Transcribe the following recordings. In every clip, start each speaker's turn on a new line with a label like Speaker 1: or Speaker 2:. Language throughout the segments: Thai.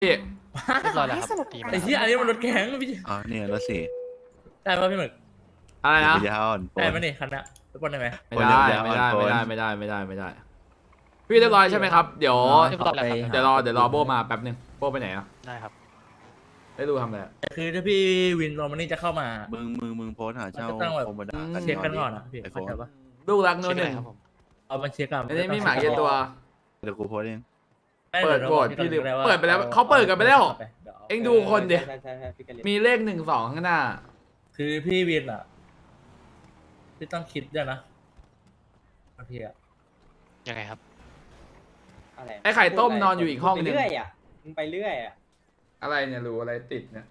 Speaker 1: พี่
Speaker 2: เรียบร้อยแล้วครับดีมาก
Speaker 3: ไอ้ที่อันนี้มันรถแข็งพี่
Speaker 4: อ๋อเนี่ยรถสี่
Speaker 3: ได้ป่ะพี่หมึก
Speaker 1: อะไรนะ
Speaker 4: ปัญญาอ่อนป
Speaker 3: ได้
Speaker 4: น
Speaker 3: ไหมนี่คันนี้รถบอลได้ไหม
Speaker 1: ไม่ได้
Speaker 4: อย่า
Speaker 1: ไม่ได้
Speaker 4: อ่อน
Speaker 1: ไม่ได้
Speaker 4: โฟน
Speaker 1: ไม่ได้ไม่ได้ไม่ได้ไม่ได้พี่เรียบร้อยใช่ไหมครับเดี๋ยว
Speaker 2: เรียบร้อยแล้วครับ
Speaker 1: เดี๋ยวรอโบมาแป๊บนึงโบไปไหนอ่ะ
Speaker 2: ได้ครับ
Speaker 1: ได้ดูทำอะไรอะ
Speaker 3: คือถ้าพี่วินโรมานี่จะเข้ามา
Speaker 4: มึงโพสต์หาเช่า
Speaker 3: มันก็ต้องแบบ
Speaker 4: โคมดา
Speaker 3: เช็คกันก่อนอะพี่
Speaker 4: ไอโฟ
Speaker 3: เข้าน ใจปะ
Speaker 1: ลูกรักโน่
Speaker 2: เช็คน
Speaker 1: ห
Speaker 2: ได้
Speaker 1: นึ่ง
Speaker 2: ครับผม
Speaker 3: เอามาเช็คกัน
Speaker 1: อันนี้มีหมาเกียตัว
Speaker 4: เดี๋ยวกูโพสต์เอง
Speaker 1: เปิดโหวตพี่ลืมเปิดไปแล้วเขาเปิดกันไปแล้ว เอ็งดูคนดิ
Speaker 5: ใช่พี่กันเลย
Speaker 1: มีเลข1 2ข้างหน้า
Speaker 3: คือพี่วินอ่ะพี่ต้องคิดด้วยนะบางทีอ่ะ
Speaker 2: ยังไงครับ
Speaker 5: อะไร
Speaker 1: ไอ้ไข่ต้มนอนอยู่อีกห้องหนึ่ง
Speaker 5: ไปเรื่อยอ่ะมึงไปเรื่อยอ่ะ
Speaker 1: อะไรเนี่ยรู้อะไรติดเนี่ย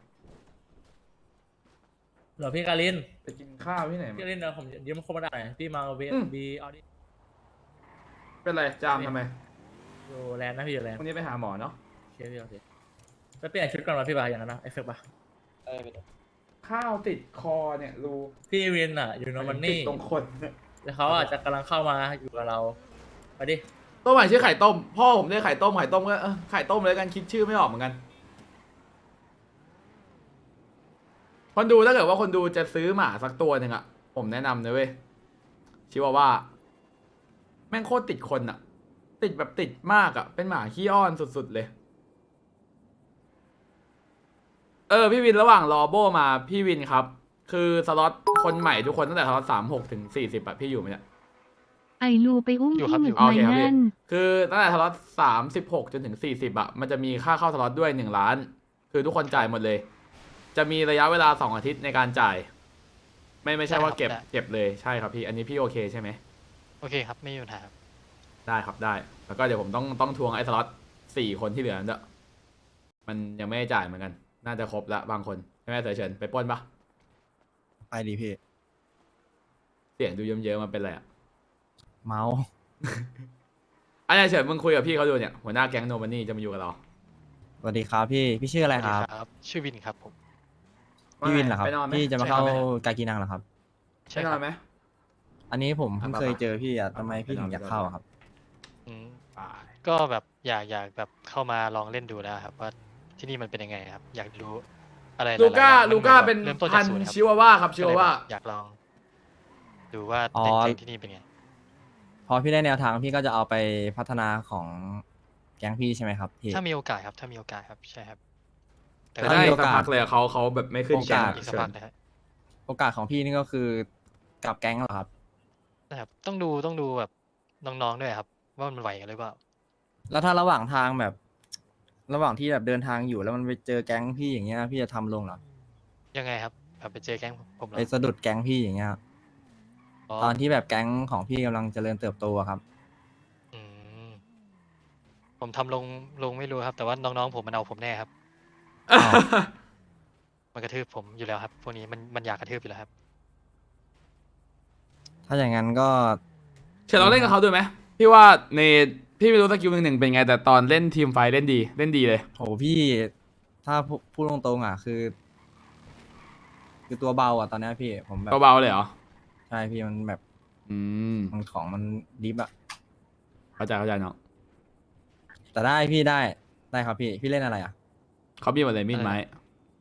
Speaker 3: เหรอพี่การิน
Speaker 1: ไปกินข้าวที่ไหน
Speaker 3: พี่
Speaker 1: มา
Speaker 3: การินเดี๋ยวผมยืมโคมาได้หน่อยพี่มาเว
Speaker 1: อืม
Speaker 3: บีเอาดิ
Speaker 1: เป็นไรจามทำไม
Speaker 3: อยู่แลนด์นะพี่อยู่แลนด์
Speaker 1: วันนี้ไปหาหมอเนาะ
Speaker 3: โอเคพี่โอเคไปเปลี่ยนชุดก่อนวะพี่บาอย่างนั้นนะเอฟเฟกต์ปะ
Speaker 5: ไปเถอะ
Speaker 1: ข้าวติดคอเนี่ยรู้
Speaker 3: พี่วินอ่ะอยู่โนมัน
Speaker 1: ติ
Speaker 3: นี่
Speaker 1: ดตรงคนเนี่ย
Speaker 3: แล้วเขาอาจจะกำลังเข้ามาอยู่กับเราไปดิ
Speaker 1: ต้มใหม่ชื่อไข่ต้มพ่อผมเรียกไข่ต้มก็ไข่ต้มเลยกันคิดชื่อไม่ออกเหมือนกันคนดูถ้าเกิดว่าคนดูจะซื้อหมาสักตัวหนึ่งอะผมแนะนำนะเว้ยชิวาว่าแม่งโคตรติดคนอะติดแบบติดมากอะเป็นหมาขี้อ้อนสุดๆเลยพี่วินระหว่างรอโบมาพี่วินครับ คือสล็อตคนใหม่ทุกคนตั้งแต่สล็อต36 ถึง 40อะพี่อยู่ไหมเนี่ย
Speaker 6: ไอลูไปอุ้ม
Speaker 2: อยู่
Speaker 6: พี่
Speaker 2: ครับ
Speaker 6: หมึ
Speaker 2: อยู่
Speaker 6: ก
Speaker 1: โอ
Speaker 6: ไม้
Speaker 1: เคครับพี่
Speaker 6: นั่น
Speaker 1: คือตั้งแต่สล็อต36 จนถึง 40อะมันจะมีค่าเข้าสล็อตด้วย1 ล้าน คือทุกคนจ่ายหมดเลย จะมีระยะเวลา2 อาทิตย์ในการจ่าย ไม่ใช่ว่าเก็บเลยใช่ครับพี่ อันนี้พี่โอเคใช่ไหม
Speaker 2: โอเคครับ ไม่มีปัญหาครับ
Speaker 1: ได้ครับได้ แล้วก็เดี๋ยวผมต้องทวงไอ้สล็อต4 คนที่เหลือนั่นด้วยมันยังไม่ได้จ่ายเหมือนกัน น่าจะครบละบางคนใช่ไหมเสือเฉินไปปล้นปะ
Speaker 7: ไปดีพี่
Speaker 1: เสียงดูเยิ้มๆมันเป็นไรอะ
Speaker 7: เมา
Speaker 1: อันนี้เฉินมึงคุยกับพี่เขาดูเนี่ยหัวหน้าแก๊งโนมันนี่จะมาอยู่กับเรา
Speaker 7: สวัสดีครับพี่ชื่ออะไรครับ
Speaker 2: สวัสดีครับ ชื่อวินครับผม
Speaker 7: พี่วินเหรอครับ
Speaker 1: ไปนอนไหม
Speaker 7: พี่จะมาเข้า
Speaker 2: ใช่ครับ
Speaker 7: กากีนังเหรอครับ
Speaker 2: ใช่
Speaker 1: ไปน
Speaker 2: ค
Speaker 1: อ
Speaker 2: รั
Speaker 1: น
Speaker 2: บ
Speaker 1: ไหม
Speaker 7: อันนี้ผมเพิ่ง
Speaker 1: ไปๆ
Speaker 7: เคยเจอพี่อ่ะ
Speaker 1: ไปๆ
Speaker 7: ทำไมพี่ถึงอยากเข้าอะครับ
Speaker 2: อืม
Speaker 1: ไป
Speaker 2: ก็แบบอยากแบบเข้ามาลองเล่นดูแล้วครับว่าที่นี่มันเป็นยังไงครับ อยากรู้อะไรห
Speaker 1: ลู
Speaker 2: ยๆ
Speaker 1: ก้า
Speaker 2: อย่ง
Speaker 1: ลูก้า
Speaker 2: มั
Speaker 1: เป็น
Speaker 2: เริ่มต้น
Speaker 1: พั
Speaker 2: จาก
Speaker 1: น
Speaker 2: ศูนย์
Speaker 1: ธุ์
Speaker 2: ครับ
Speaker 1: ชิวาว่าครับชิวาว่า
Speaker 2: อยากลอง ดูว่า
Speaker 7: อ๋อ
Speaker 2: แก๊งที่นี่เป็นไง
Speaker 7: พอพี่ได้แนวทางพี่ก็จะเอาไปพัฒนาของแก๊งพี่ใช่ไหมครับพี่
Speaker 2: ถ้ามีโอกาสครับ ถ้ามีโอกาสครับ ใช่ครับ แต่
Speaker 1: แต่
Speaker 2: ว่า
Speaker 1: ได้
Speaker 7: มีโอ
Speaker 1: สัก
Speaker 7: กาส
Speaker 1: พักเลยอะเขาแบบไม่ขึ้นแก๊ง
Speaker 7: โอกาส
Speaker 2: อีกสัก
Speaker 1: เฉิ
Speaker 2: พัก
Speaker 1: น
Speaker 2: นะฮะ
Speaker 7: โอกาสของพี่นี่ก็คือกับแก๊งเหรอครับ
Speaker 2: นะครับต้องดูแบบน้องๆด้วยครับ ว่ามันไหวกันหรือเปล่า
Speaker 7: แล้วถ้าระหว่างทางแบบ ระหว่างที่แบบเดินทางอยู่แล้วมันไปเจอแก๊งพี่อย่างเงี้ยพี่จะทำลงเหรอ
Speaker 2: ยังไงครับแบบไปเจอแก๊งผมเหรอ
Speaker 7: ไปสะดุดแก๊งพี่อย่างเงี้ย
Speaker 2: อ๋อ
Speaker 7: ตอนที่แบบแก๊งของพี่กำลังเจริญเติบโตอะครับ
Speaker 2: อืมผมทำลงไม่รู้ครับ แต่ว่าน้องๆผมมันเอาผมแน่ครับ
Speaker 7: อ้าว
Speaker 2: มันกระทืบผมอยู่แล้วครับพวกนี้มันอยากกระทืบอยู่แล้วครับ
Speaker 7: ถ้าอย่างนั้นก็
Speaker 1: เฉินเราเล่นกับเขาด้วยไหมพี่ว่าในพี่ไม่รู้สกิล1 1เป็นไงแต่ตอนเล่นทีมไฟท์เล่นดีเลย
Speaker 7: โหพี่ถ้าพูดตรงๆอ่ะคือตัวเบาอ่ะตอนเนี้ยพี่ผมแบบ
Speaker 1: เบาๆเลยเหรอ
Speaker 7: ใช่พี่มันแบบ
Speaker 1: อืม
Speaker 7: มันของมันดิฟอ่ะ
Speaker 1: เข้าใจเนาะ
Speaker 7: แต่ได้พี่ได้ครับพี่เล่นอะไรอ่ะ
Speaker 1: เขามีหมดเลยมีดไม้
Speaker 2: อะไร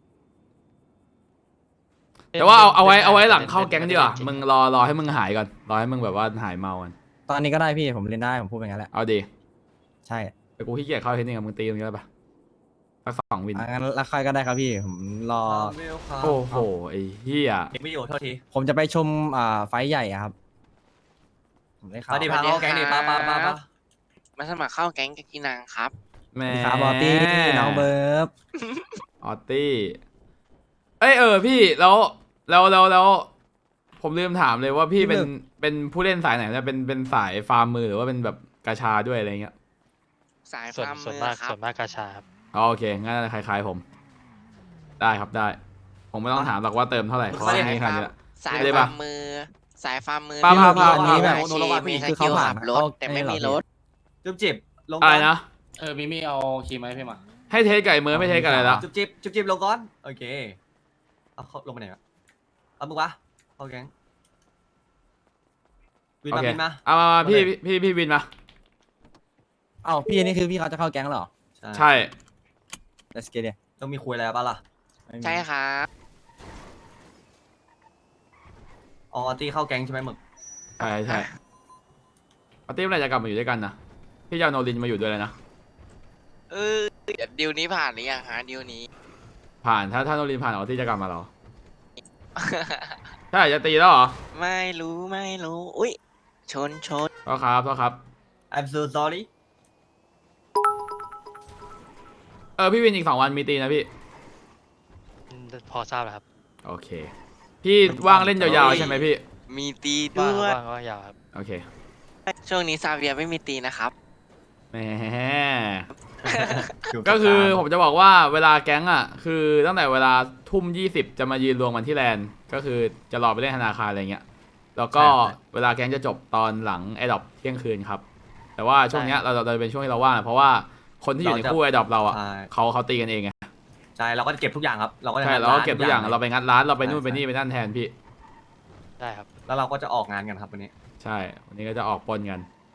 Speaker 1: แต่ว่าเอาไว้
Speaker 2: ล่น
Speaker 1: เอาไว้
Speaker 2: ด้
Speaker 1: หลังเข้าแก๊งดีกว่า
Speaker 2: เล่นจริ
Speaker 1: มึงรอให้มึงหายก่อนรอให้มึงแบบว่าหายเมากัน
Speaker 7: ตอนนี้ก็ได้พี่ผมเล่นได้ผมพูดไปงั้นแหละ
Speaker 1: เอาดี
Speaker 7: ใช่
Speaker 1: แต่กูขี้เกียจเข้าเทคนิคกับมึงตีมึงได้ปะสัก2 วิน
Speaker 7: งั้นแล้วใครก็ได้ครับพี่ผมรอ
Speaker 1: โอ้โหไอ้เหี้ย
Speaker 5: เด็กไม่อยู่โทษที
Speaker 7: ผมจะไปชมไฟท์ใหญ่อะครับผมได้ข่าว
Speaker 5: มาดิพาเขาแก๊งดิป้า
Speaker 8: มาสมัครเข้าแก๊งกากีนังครับ
Speaker 1: แม่
Speaker 7: สวัสดีครับบอตตี้น้องเบิร์บ
Speaker 1: ออตตี้พี่แล้วผมลืมถามเลยว่าพี่เป็นผู้เล่นสายไหนเนี่ยเป็นสายฟาร์มมือหรือว่าเป็นแบบกาชาด้วยอะไรเงี้ย
Speaker 8: สาย
Speaker 2: ส่วน
Speaker 8: ฟาร์ม
Speaker 2: ส่วน
Speaker 8: มือ
Speaker 2: มาก
Speaker 8: ครับ
Speaker 2: ส่วนมากกาชาครับ
Speaker 1: อ๋อโอเคงั้นคล้ายๆผม ได้ครับได้ ผมไม่ต้องถามหรอกว่าเติมเท่าไหร่เพราะว่ามีขนาดนี้ละ
Speaker 8: สาย
Speaker 1: ได้
Speaker 8: ฟา
Speaker 1: ปะ
Speaker 8: ร์มมือ สายฟาร์มมือ
Speaker 1: ปะ
Speaker 8: ที่
Speaker 1: ปะ
Speaker 8: มี
Speaker 1: ปะ
Speaker 8: อาชีพมีส
Speaker 7: คือ
Speaker 8: กิ
Speaker 7: เขา
Speaker 8: ล
Speaker 7: ผ่า
Speaker 8: ขั
Speaker 7: น
Speaker 8: บรถ
Speaker 7: เขา
Speaker 8: แต่ไม่มี
Speaker 7: เหอ
Speaker 8: รถ
Speaker 5: จุ๊บจิบลง
Speaker 1: อะไรนะ
Speaker 5: มิมี่เอาคีย์ไหมพี่มา
Speaker 1: ให้เทสไก่เมือไม่เทสกันอะไรแล้ว
Speaker 5: จุ๊บจิบลงก่อนโอเคเอาเขาลงไปไหนอะเอามึงวะเข้าแก๊งวิน
Speaker 1: โอ
Speaker 5: มา
Speaker 1: เค
Speaker 5: วินมา
Speaker 1: เอามาพี่วินมา
Speaker 7: เอ้าพี่นี่คือพี่เขาจะเข้าแก๊งเหรอ
Speaker 1: ใช่
Speaker 7: โ let's get it
Speaker 5: ต้องมีคุยอะไรบ้างล่ะ
Speaker 7: ไม่มี
Speaker 8: ใช่ครับ
Speaker 5: อ๋อตีเข้าแก๊งใช่ไหมหมึก
Speaker 1: ใช่ใช่ปาร์ตี้เมื่อไหร่จะกลับมาอยู่ด้วยกันนะพี่จะเอาโนรินมาอยู่ด้วยเลยนะ
Speaker 8: เออเดี๋ยวดิวนี้ผ่านหรือยังฮะดิวนี้
Speaker 1: ผ่านถ้าโนรินผ่านเอาที่จะกลับมาเหรอ ใช่จะตีแล้วเหรอ
Speaker 8: ไม่รู้อุ้ยชน
Speaker 1: ก็ครับ
Speaker 5: I'm so sorry
Speaker 1: พี่วินอีก2 วันมีตีนะพี่
Speaker 2: พอทราบแล้วครับ
Speaker 1: โอเค พี่ว่างเล่นยาวๆใช่ไหมพี่
Speaker 8: มีตี
Speaker 2: ว่าง
Speaker 8: ด้วย
Speaker 2: ว่างว่างยาวครับ
Speaker 1: โอเค
Speaker 8: ช่วงนี้ซาเวียไม่มีตีนะครับ
Speaker 1: แหม ก็คือผมจะบอกว่าเวลาแก๊งอ่ะคือตั้งแต่เวลา20:20จะมายืนรวมกันที่แลนด์ก็คือจะรอไปเล่นธนาคารอะไรเงี้ยแล้วก็เวลาแก๊งจะจบตอนหลังไอดอปเที่ยงคืนครับ แต่ว่าช่วงเนี้ยเราจะเป็นช่วงที่เราว่างเพราะว่าคนที่อยู่ในคู่ไอดอปเราอ่ะ
Speaker 5: ใช่
Speaker 1: เขาตีกันเองไง
Speaker 5: ใช่เราก็จะเก็บทุกอย่างครับ เราก็จะ
Speaker 1: ใช่
Speaker 5: ทำ
Speaker 1: เราก็เก็บทุกอย่าง
Speaker 5: ล
Speaker 1: เราไปงัดร้านเราไปนู่น
Speaker 5: ใช่
Speaker 1: ไปนี่ไปนั่นแทนพี่
Speaker 2: ได้ครับ
Speaker 5: แล้วเราก็จะออกงานกันครับวันนี้
Speaker 1: ใช่วันนี้ก็จะออกปนกัน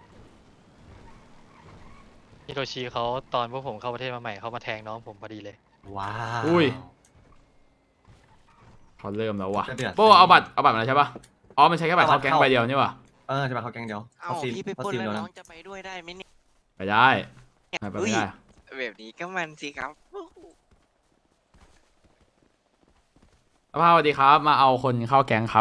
Speaker 2: ฮิโรชิเขาตอนพวกผมเข้าประเทศมาใหม่เขามาแทงน้องผมพอดีเลย
Speaker 5: ว้าว
Speaker 1: อุ้ย เขาเริ่มแล้วว่ะ
Speaker 5: จะเดือด
Speaker 1: โป้เอาบัตรมาแล้วใช่ปะอ๋อมันใช้แค่บัตรเข้าแก๊งใบเดียวนี่ว่ะ
Speaker 5: จะมาเข้าแก๊งเดียว
Speaker 8: เอ้า
Speaker 5: ซีน
Speaker 8: พี่ไป
Speaker 5: เขา
Speaker 8: ปล้น
Speaker 5: ซีน
Speaker 8: แล้ว
Speaker 5: เดียว
Speaker 8: น้
Speaker 5: นะ
Speaker 8: องจะไปด้วยได้ไหมเนี่ย
Speaker 1: ไปได้ไปไม่ได้
Speaker 8: แบบนี้ก็มันสิครับ
Speaker 1: สภาพสวัสดีครับ มาเอาคนเข้าแก๊งครับ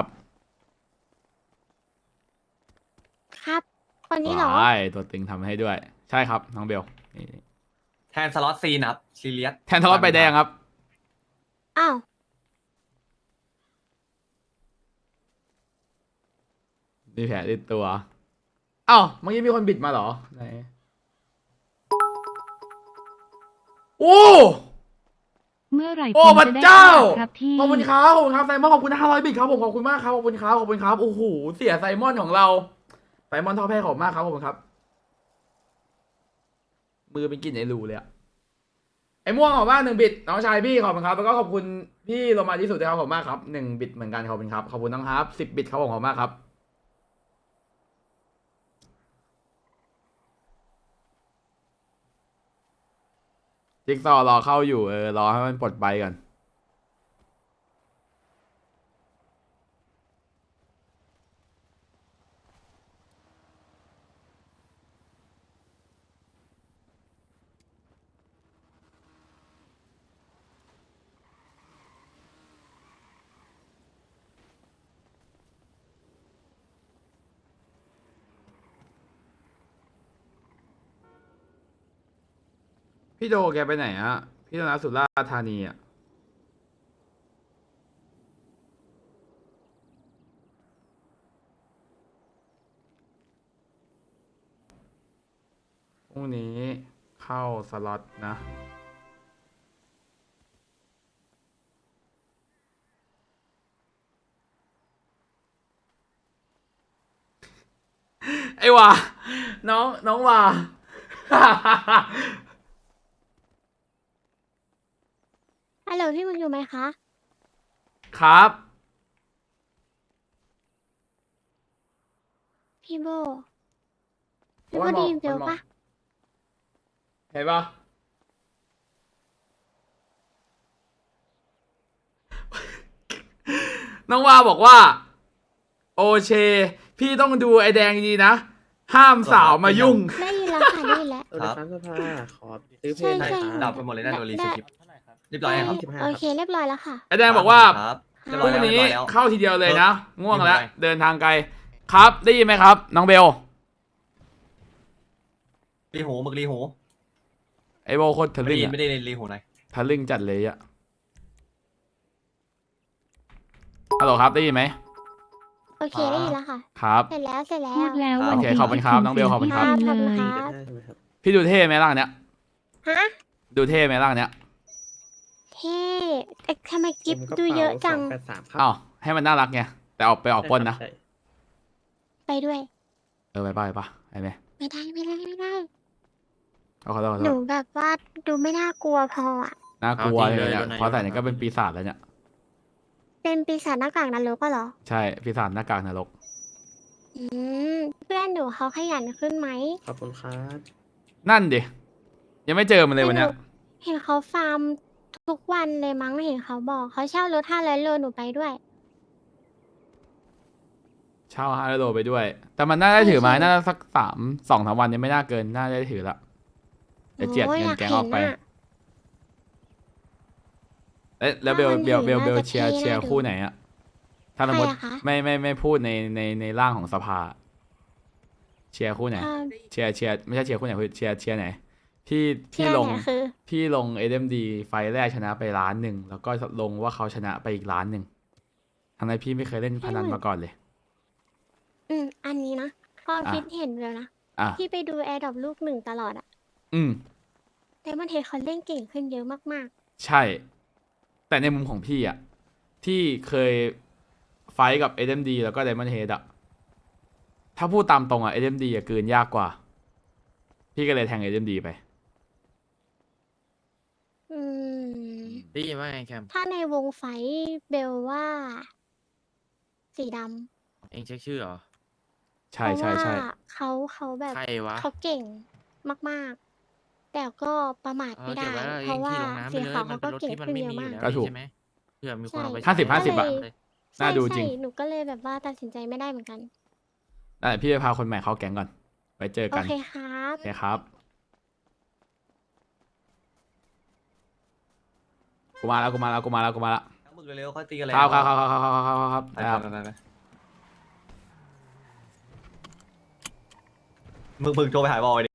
Speaker 9: ครับคนนี้เหรอ
Speaker 1: ว้ายตัวตึงทำให้ด้วย ใช่ครับน้องเบลนี่
Speaker 5: แทนสล็อตซีนครับซีเรียส
Speaker 1: แทนทะเลาะใบแดงครับ
Speaker 9: อ้าว
Speaker 1: มีแผลติดตัวเอ้าเมื่อกี้มีคนบิดมาเหรอไหนโอ้
Speaker 6: เมื่อไหร่
Speaker 1: โอ้
Speaker 6: ผม
Speaker 1: พระ
Speaker 6: จะได้
Speaker 1: เจ้า
Speaker 6: ขยับครับพี่
Speaker 1: ขอบคุณครับขอบคุณครับไซมอนขอบคุณ500บิตครับผมขอบคุณมากครับขอบคุณครับขอบคุณครับโอ้โหเสียไซมอนของเราไซมอนท่อแพ้ขอบคุณมากครับขอบคุณครับ มือเป็นกลิ่นไอรูเลยอะไอม่วงขอบคุณมาก1 บิตน้องชายพี่ขอบคุณครับแล้วก็ขอบคุณพี่โรมาที่สุดด้วยครับขอบคุณมากครับ1 บิตเหมือนกันขอบคุณครับขอบคุณน้องครับ10 บิตครับผมขอบคุณมากครับจิ๊กซอว์รอเข้าอยู่รอให้มันปลดใบก่อนพี่โดแกไปไหนอะพี่โดนัทสุราษฎร์ธานีอะพรุ่งนี้เข้าสล็อตนะ ไอ้วาน้องวา
Speaker 9: ฮัลโหลพี่มึงอยู่ไหมคะ
Speaker 1: ครับ
Speaker 9: พี่โบ
Speaker 1: โอ้
Speaker 9: พี่
Speaker 1: ย
Speaker 9: โบได้ยินเบล
Speaker 1: มันบอก
Speaker 9: ปะ
Speaker 1: เห็นปะ น้องวาบอกว่า โอเช พี่ต้องดูไอแดงดีนะ ห้ามสาวมายุ่ง
Speaker 9: ได้ยินแล้วค่ะได้ยินแล้ว
Speaker 5: ครับ
Speaker 10: ขอซื้อเพล
Speaker 9: ใช่
Speaker 10: งหน่อย
Speaker 9: ใช่
Speaker 10: ครับ
Speaker 5: ดับไปหมดเลยนะโดนรีสคริปต์เรียบร้อยครับ
Speaker 9: โอเคเรียบร้อยแล้วค่ะ
Speaker 1: ไอแดงบอกว่า
Speaker 5: ครับเรียบ
Speaker 1: พ
Speaker 5: ร้อย
Speaker 1: รุ่ง
Speaker 5: แล้ว
Speaker 1: นี้
Speaker 5: เรียบร้อยแล้ว
Speaker 1: เข้าทีเดียวเลยนะ ง่วงแล้ว
Speaker 5: ไม่เป็นไร
Speaker 1: เดินทางไกล ครับ ได้ยินไหมครับ น้องเบล
Speaker 5: รีหูหมึกรีหู
Speaker 1: ไอโบโคตรทะ
Speaker 5: ไม่
Speaker 1: ลึ่
Speaker 5: ได้
Speaker 1: ง
Speaker 5: ยิน
Speaker 1: อะ
Speaker 5: ไม่ได้ยินรีหูหน่อย
Speaker 1: ทะลึ่งจัดเลยอะฮัลโหลครับ ได้ยินไหม
Speaker 9: โอเคได้ยินแล้วค่ะ
Speaker 1: ครับ
Speaker 9: เสร็จแล้วเสร็จแล้ว
Speaker 6: พูดแล้ว
Speaker 1: โอ
Speaker 6: วัน
Speaker 1: เค
Speaker 6: ที่
Speaker 1: ขอบคุณครับน้องเบลขอบคุณครับ
Speaker 9: ขอบ
Speaker 6: เล
Speaker 9: คุณ
Speaker 6: ย
Speaker 9: ครับ
Speaker 10: ได้ใช่ไหมครับ
Speaker 1: พี่ดูเท่ไหมร่างเนี้ย
Speaker 9: ฮะ
Speaker 1: ดูเท่ไหมร่างเนี้ย
Speaker 9: เท่แต่ทำไมกิฟต์ดูเยอะจัง
Speaker 10: 283ครับ
Speaker 1: อ้าวให้มันน่ารักไง แต่ออกไปออกปล้นนะ
Speaker 10: ใช่
Speaker 9: ไปด้วย
Speaker 1: ไปไปไปไหม
Speaker 9: ไม่ได้ไม่ได้ไม่ได้
Speaker 1: เอาขอโทษขอ
Speaker 9: ห
Speaker 1: โท
Speaker 9: นู
Speaker 1: ษ
Speaker 9: แบบว่าดูไม่น่ากลัวพออ่ะ
Speaker 1: น่ากลัว
Speaker 10: เอาจริง
Speaker 1: เลยเนี่ย
Speaker 10: เลย
Speaker 1: พอใส่เนี่ยก็เป็นปีศาจแล้วเนี่ย
Speaker 9: เป็นปีศาจหน้ากากนรกก็เหรอ
Speaker 1: ใช่ปีศาจหน้ากากนรก
Speaker 9: อืมเพื่อนหนูเขาขยันขึ้นไหม
Speaker 10: ขอบคุณครับ
Speaker 1: นั่นดิ ยังไม่เจอมันเลยวันเนี้ย
Speaker 9: เห็นเขาฟาร์มทุกวันเลยมั้งเห็นเขาบอกเขาเช่ารถ500 โลหนูไปด้วย
Speaker 1: เช่า500 โลไปด้วย แต่มันน่าได้ถือไหม
Speaker 9: ใช่
Speaker 1: น่าจะสัก2-3 วันยังไม่น่าเกิน น่าได้ถือละเดี๋ยวเจียด
Speaker 9: โอ้
Speaker 1: เงิน
Speaker 9: ยาก
Speaker 1: แก๊ง
Speaker 9: ห็
Speaker 1: ออกไป
Speaker 9: ะ
Speaker 1: เอ๊ะแล้วเบล
Speaker 9: ถ้ามัน
Speaker 1: เบลเบล
Speaker 9: ถือ
Speaker 1: เบล
Speaker 9: น่าจะ
Speaker 1: เชียร์
Speaker 9: เท่
Speaker 1: เชียร์
Speaker 9: น่าดู
Speaker 1: คู่ไหนอะถ้าสมมติ
Speaker 9: ใครอะคะ
Speaker 1: ไม่พูดในร่างของสภา เชียร์คู่ไหน
Speaker 9: ถ้า
Speaker 1: เชียร์ไม่ใช่เชียร์คู่ไหนคือเชียร์ไหนพี่
Speaker 9: เที่ย
Speaker 1: ลง
Speaker 9: เนี่ยคือ
Speaker 1: พี่ลง SMD ไฟล์แรกชนะไป1,000,000แล้วก็ลงว่าเขาชนะไปอีก1,000,000ทั้งนั้นพี่ไม่เคยเล่นพนันมาก่อนเลย
Speaker 9: อันนี้นะความ
Speaker 1: อ่ะ
Speaker 9: คิดเห็นเลยนะ
Speaker 1: อ่ะ
Speaker 9: พี่ไปดูแอร์ดรอปลูก1ตลอดอะ
Speaker 1: อืม
Speaker 9: แต่มันเห็นเขาเล่นเก่งขึ้นเยอะมาก
Speaker 1: ใช่ แต่ในมุมของพี่อะที่เคยไฟท์กับ SMD แล้วก็ Diamond Head อะถ้าพูดตามตรงอะ SMD อะกลืนยากกว่า พี่ก็เลยแทง SMD ไป
Speaker 9: ๆอืม
Speaker 7: ได้ยินว่าไงแคม
Speaker 9: ถ้าในวงไฟท์เบลว่า สีดำ
Speaker 7: เองเช็คชื่อเหรอ
Speaker 1: ใช่ใช่ใช่
Speaker 9: เพราะว่าเขาแบบ
Speaker 7: ใครวะ
Speaker 9: เขาเก่งมากๆ แต่ก็ประมาทไม่ได้ เพราะว่าสีขาวเขาก็เก่งขึ้นเยอะมาก
Speaker 1: ก็ถูก
Speaker 7: ใช่ไหมเผื่อมีคนเอาไป
Speaker 1: ใช่50-50
Speaker 7: ใช้
Speaker 1: อะ
Speaker 7: เลย
Speaker 1: น่าดูจริง
Speaker 9: ใช่หนูก็เลยแบบว่าตัดสินใจไม่ได้เหมือนกัน
Speaker 1: แต่พี่ไปพาคนใหม่เข้าแก๊งก่อน ไว้เจอ
Speaker 9: โอ
Speaker 1: กัน
Speaker 9: เคครับ
Speaker 1: โอเคครับ กูมาแล้ว
Speaker 5: มึงเร็วๆค่อยตีกันเลย
Speaker 1: ครับครับ
Speaker 5: ไป
Speaker 1: ครับ
Speaker 5: ไปมึงโทรไปหาบอยดิ